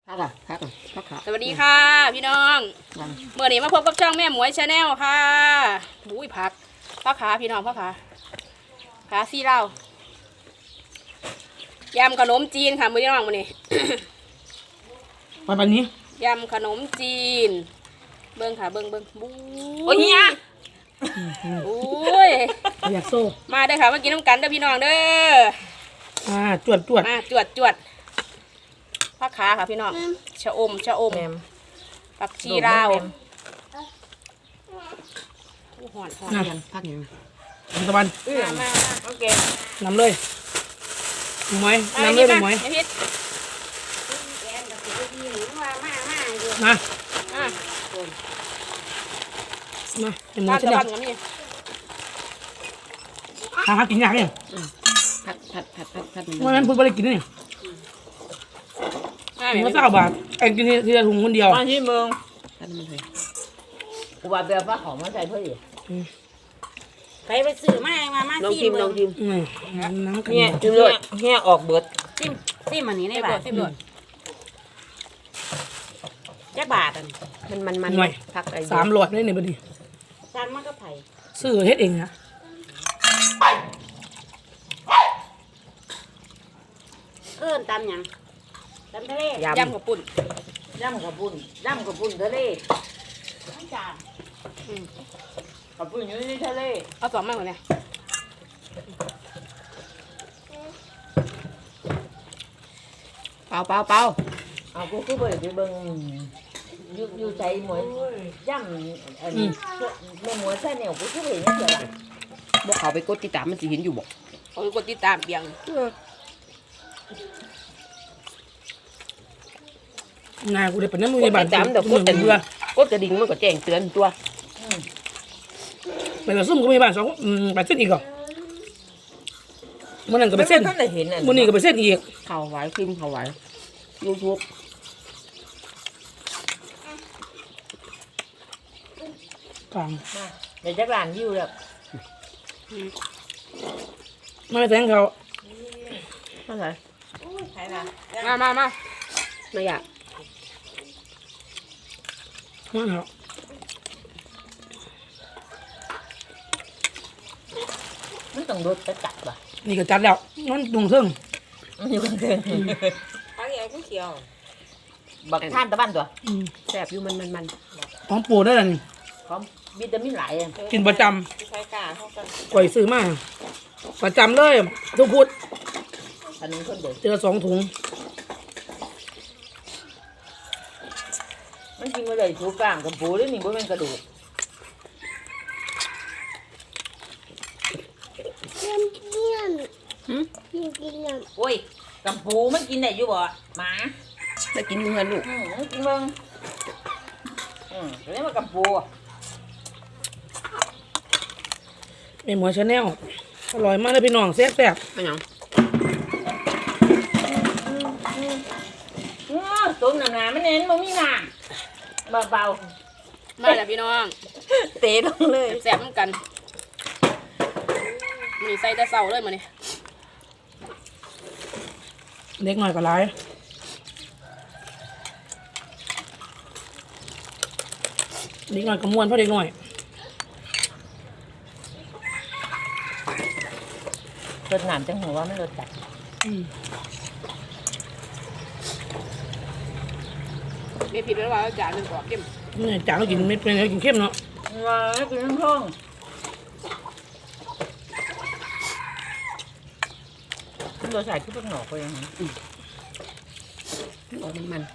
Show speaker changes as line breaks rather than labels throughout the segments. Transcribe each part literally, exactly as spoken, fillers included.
พักอ่ะพักอ่ะพักขา
สวัสดีค่ะพี่น้องเมื่อนี้มาพบกับช่องแม่หมวยชาแนลค่ะบุ้ยผักผักขาพี่น้องผักขาขาซี่เหล้ายำขนมจีนค่ะมือพี่น้องมื้อนี้
มาแบบนี้
ยำขนมจีนเบิ้งค่ะเบิ้งเบิ้งบุ้ย
โอ้ยเนี่ย
โอ้ย
อยากโซ่
มาเด้อค่ะมากินน้ำกันเด้อพี่น้องเด้อ
อ่าจวดจวด
มาจวดจวดผักขาค่ะพี่น้องชะอมชะอมผักชีลาวหอนหอน
น่าพักอย่างนี้ตะวัน
มามาโอเคน
ำเลยหมวยนำเลยหมวย
ไอ้พิษ
มา
อ่ะ
มาเป็นหมวย
ตาม
ชะ
ตะ
เดีย
วั
วน
กับนี่
หาหากินยากเนี่ย
ผัดผัดผัดผัดผัด
เมื่อนั้นพูดไปได้กินนี่
อ่ะ
ถุง
แม่
ละเก้าบาทเองกินทีละถุงคนเดียว
มาที่เมืองผัดมันเลยกูว่าแบบว่าของมาใส่เพื่อดิ
ไปไปซื้อมามามา
ลอง
ซี
ชิมลองชิม
อืมน้ำกัน
เนี่ยชิมเลยเนี่ยออกเบิด
ซิมซิมอันนี้ใน
ไอ้
บา
บว
ท
ชสิบหลวด
จักบาทอัน
มันมันมัน
หน่วย
ผักอะไร
สามหลอดได้เนี่ยพอดี
จานมันก็ไผ่
ซื้อเฮ็ดเองนะ
เอิ้นตำหยังตำทะเลย
ำกับปุ่น
ย่ำกับปุ่นย่ำกับปุ่นทะเล
ทั้งจาน
กับปุ่นอยู่ในทะเล
เอาสองมากกว่านี้
เปล่าเปล่าเปล่าเอากูคือเบิดไปเบิ่งอยู่อยู่ใจหมวยย่ำอันนี้แม่หมวยใส่เหนียวกูคือเห็นนี่เดียวละ
บอกเขาไปกดติดตามมันสิเห็นอยู่บอก
เอาไปกดติดตามเบียง
นายกูได้เป็นน้ำมือในบ้าน
จำเดี๋ยวกดแต่
เบื่อก
ดกระดิ่งมันก็แจ้งเตือนตัว
ไปกับซุ่มก็มีบ้านสองอืมไปเส้นอีกเหรอมันนั่นก็ไปเส้น
ท่านได้เห็นอ่ะ
มันนี่ก็ไปเส้นอีก
ข่าวไหวพิมพ์ข่าวไหวยูทูบ
กลาง
เดี๋ยวจะร้านวิวแล้ว
ไม่แทงเขา
มาไหน
ไผ่ละ
มามามา
ไม่อยาก
ไม่เขา
มันต้องรถจะจับป่ะ
นี่ก็จัดแล้วมันตรงเทิง
มันอยู่กันเกิน
ผักใหญ่ผู้เขียว
บักท่านตะบ้านตัว
อืม
แสบอยู่มันมันมัน
ของปูได้แล้วนี่
พร้อมวิตามินหลายอ่ะ
กินประจ
ใช้กาเข้ากัน
ำก่อยซื้อมาประจำเลยทุกพุธ
อันนี้คนเด็ก
เจอสองถุง
มันกินมาเลยถูกกลางกับปูด้วยนี่บ่เป็นกระดูก
เยี่ยมเยี่ยมเยี่ยมเยี่ยม
โอ้ยกับปูมันกินได้อยู่บ่หมา
ได้กินเงินลูก
อืมมันกินเบิ่งอืมเรียกว่ากับปู
เป็นหมวยชาแนลอร่อยมากเลยพี่น้องแซ่บแซ่บ
มันหยังอื้อต้มน้ำน้ำมันเน้นมันมีน้ำเบา
มาแล้วพี่น้อง
ๆเตะลงเลย
แซ่บๆเหมือนกันมีใส่แต่เสาเลยมาเนี่ย
เล็กหน่อยก็ร้ายเล็กหน่อยก็ม้วนเพราะเด็กหน่อย
รสหนามจังหัวว่าไม่รสจัด
อืม
ไม่ผิดแล้วว่าจานหนึ่งกว่าเข้ม
นี่จางก็กินเม็ดเป็นไงกินเข้มเนาะ
ว้าวกินทั้งท้องคุณรสชาติคือพวกหนอกไปยังไง
ออกมันมัน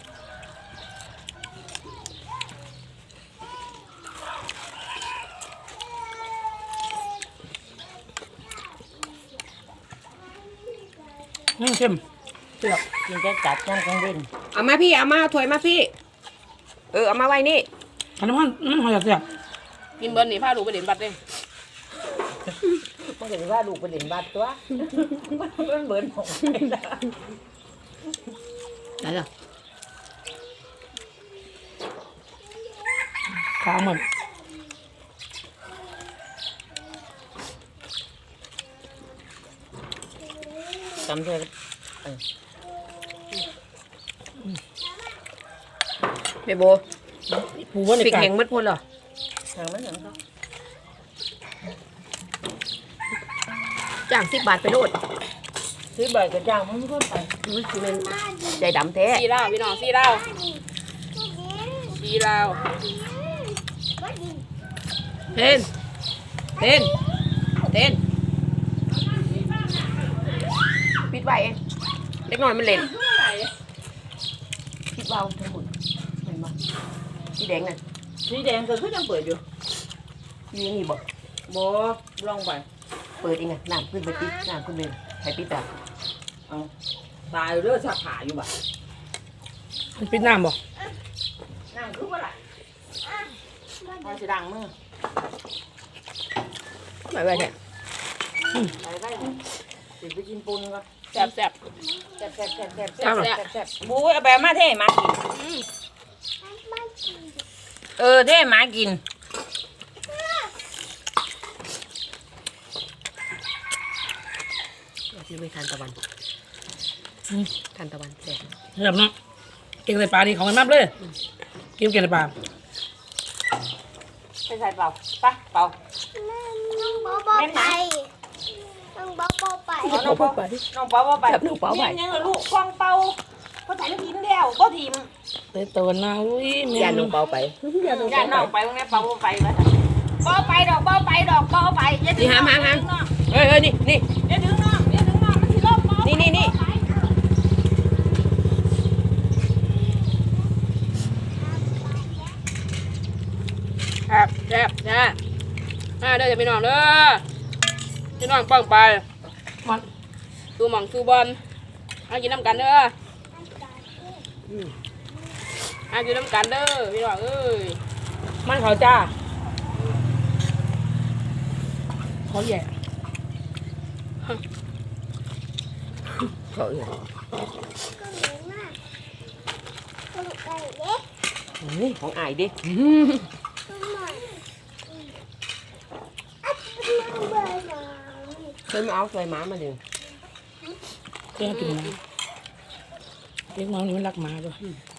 อืมเข้มเปรี้ยว
กินจะจัดย่างกลางเว้น
เอามาพี่เอามาถวยมาพี่ เออเอามาไว้นี่
อันนี้มันมันหอยแซ่บ
กินเบิร์นนี่พาลูกไปเด่นบัตรเลย
มันก็จะว่าลูกไปเล่นบาดตัวมันเบิร์นของไปแล้ว
ไหนล่ะขาเหมือน
จำเธอ
แม่โบ
ปูว่าใน
พริก
กา
แห้งมัดพุ่นเหรอ
ทางนั้นทางเขา
จ้างสิบบาทไปโลด
ซื้อใบกระจ่างมันก็ไป
อุ้ยคือมันใจดำแท้
สีเหล้าพี่น้องสีเหล้าสีเหล้า
เต้นเต้นเต้นปิดไว้เองเล็กน้อยมันเล่นปิดเบาทั้งหมดเห็นปะสีแดงน่ะ
สีแดงก็คือยังเปิดอยู่
อยู่นี่บอก
บ่ลองไป
เปิดเองไงน้ำขึ้นไปปิดน้ำขึ้นไปใครปิดอ่ะ
เอาตายเด้อสักขาอยู่บ่
มันปิดน้ำบ่
น้ำคือว่าไรพอสิดังมือ
ไม่ไหวแท้
ไปไปสิไปกินปูนก่อน
แซ่บแซ่บ
แซ่บแซ่บแซ่บแซ่บ
แซ่บแซ่บ
แซ่บบูเอาแบบมาเท่หมากินเออเท่หมากิน
ที่ไม่ทานตะวันทานตะวันแซ่บ
เรียบเนาะเก่งใส่ปลาดีของมันมากเลยกินเก่งใส่ปลา
ไปใส่เปล่าไปเปล่า
น้องบ๊อบบ๊อบไปน้องบ๊อบบ๊อบไป
เอาน้องเปาน้องเปาว่าไป
จับหนูเปล่าไป
ยังลูกกองเปาเขาใส่ลูกทีมเดียวก็ทีม
เตยตัวนาอุ้ยแม่
ยาหนูเปล่าไปยาหนู
ย่า
เปล่า
น้อง
ไป
ไปตรงนี้เปาไปแล้วเปาไปดอกเปาไปดอกเปาไปอย่าดึ
นี่
ง
หา
น้อง
หาหา
อย่าดึงน้อง
เฮ้ยเฮ้ยนี่นี่
อย่าดึงน้องอย่าดึงน้องมันสิลบเปา
นี่นี่นี่
แซ่บแซ่บแซ่บมาเด้อจะพี่น้องเด้อพี่น้องป้องไป
มัน
ตูหม่องตูบอลเอากินน้ำกันเด้อเอากินน้ำกันเด้อพี่น้องเอ้ย
มันเขาจ้าเขาแย่
เขาอื่น
ก็เหมือนมากก็ไก่เล็ก
นี่ของอายดิ
ก็หน่อยอัดน้องเบอร์หน่อย
เคยมาเอาใส่หมามาดึง
เจ้ากินนะเลี้ยงหมานี่มันรักหมาด้วย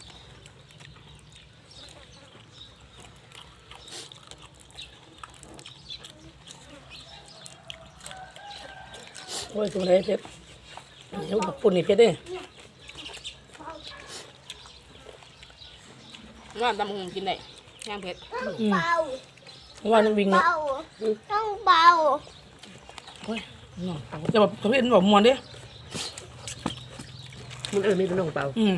โอ้ยตัวไหนเพชรเดี๋ยวกับปุ่นนี่เพชรเด้
ว่าตำหงกินได้ย่างเผ็ด
อืม
เบา
ว่าน้องวิ่งเนาะ
เบาต้องเบา
โอ้ยน้องจะแบบเขาเห็นแบบมวนเด้
มันเออไม่เป็นน้องเปล่า
อืม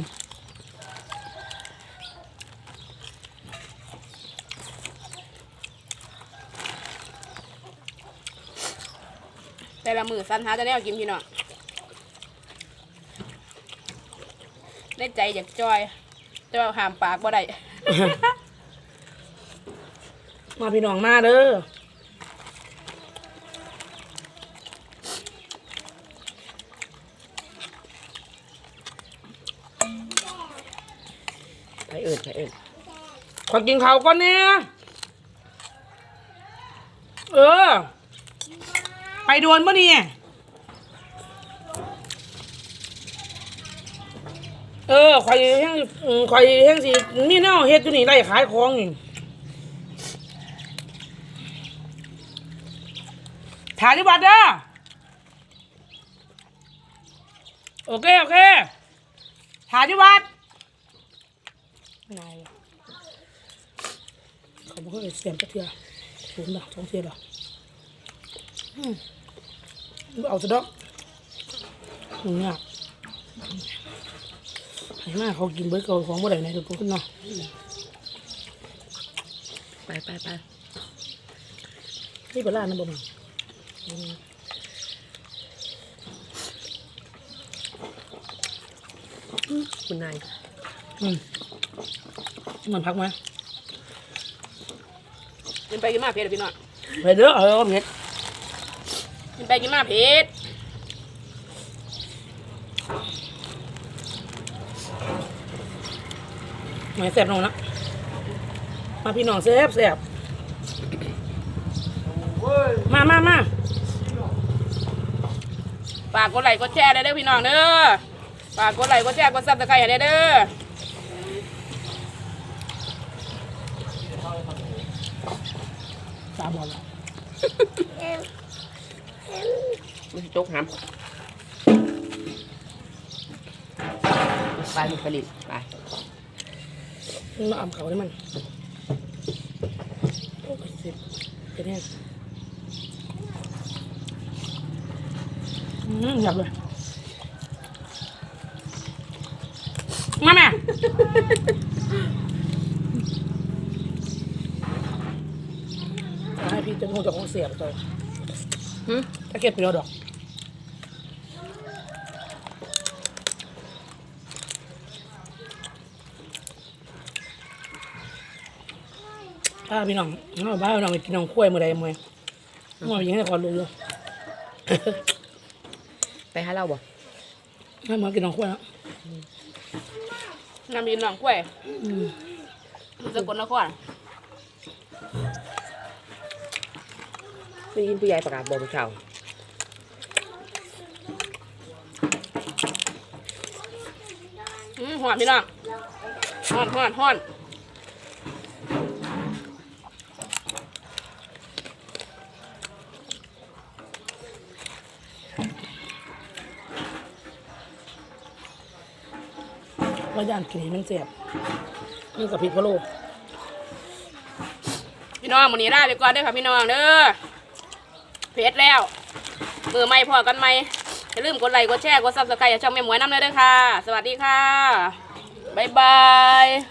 แต่ละมือสันหาจะแนวกินพี่น้องได้ใจอยากจอยแต่ว่าห้ามปากบ่ได้
มาพี่น้องมาเด้อ
ใครเอื่นใครเอื่น
ขอกินข้าวก่อนเนี่ยเออ ไปโดนปะเนี่ยเออข่อยแห้งอืมข่อยแห้งสิมีแนวเฮ็ดอยู่นี่ไล่ขายของนี่ถ่ายที่วัดเด้อโอเคโอเคถ่ายที่วัดนายว่ะเขาบอกว่าเสียงกระเทียมสูงดอกสองเทียดอกอืมเอาจะดอกมึงเนี่ยให้มาเขากินเบิร์ดเขาของบ่ได้ไหนทุกคนเนาะ
ไปไปไป
นี่เป็นร้านนะบ่มัน
คุณนาย
อืมมันพักไหม
กินไปกินมาเผ็ดอะพี่น้อง
ไปเด้อเออเม็ด
กินไปกินมาเผ็ด
ไม่แซ่บน้องนะมาพี่น้องแซ่บแซ่บมามามา
ฝากกดไลค์กดแชร์ได้เด้อพี่น้องเด้อฝากกดไลค์กดแชร์กดซับสไครต์ให้ได้เด้อ
จกหำไปลูกผลิตไป
มาอ่ำเขาได้มันโอ้ยสิบเป็นแห้งอืมหยับเลยมาแม่ให้พี่จะคงจะคงเสียบตัว
หึ
ถ้าเก็บไปแล้วดอกถ้าพี่น้องเอาบ้านพี่น้องไปกินน้องกล้วยมือใดมือมือยังให้ความรู้อยู่
ไปหาเราบ่
ให้มากินน้องกล้วยแล้ว
น้ำมีหนองกล้วย
อืม
สกลนคร
ได้ยินผู้ใหญ่ประกาศบอกผู้ชาว
อืมหอนพี่น้องหอนหอนหอน
ว่าย่านกินให้มันเสียบนี่กับพริกพะโล้
พี่น้องวันนี้ได้ไปก่อนเด้อค่ะพี่น้องเด้อเพจแล้วมือไม่พอกันไหมอย่าลืมกดไลค์กดแชร์กดซับสไครต์ช่องแม่หมวยน้ำเลยเด้อค่ะ สวัสดีค่ะบ๊ายบาย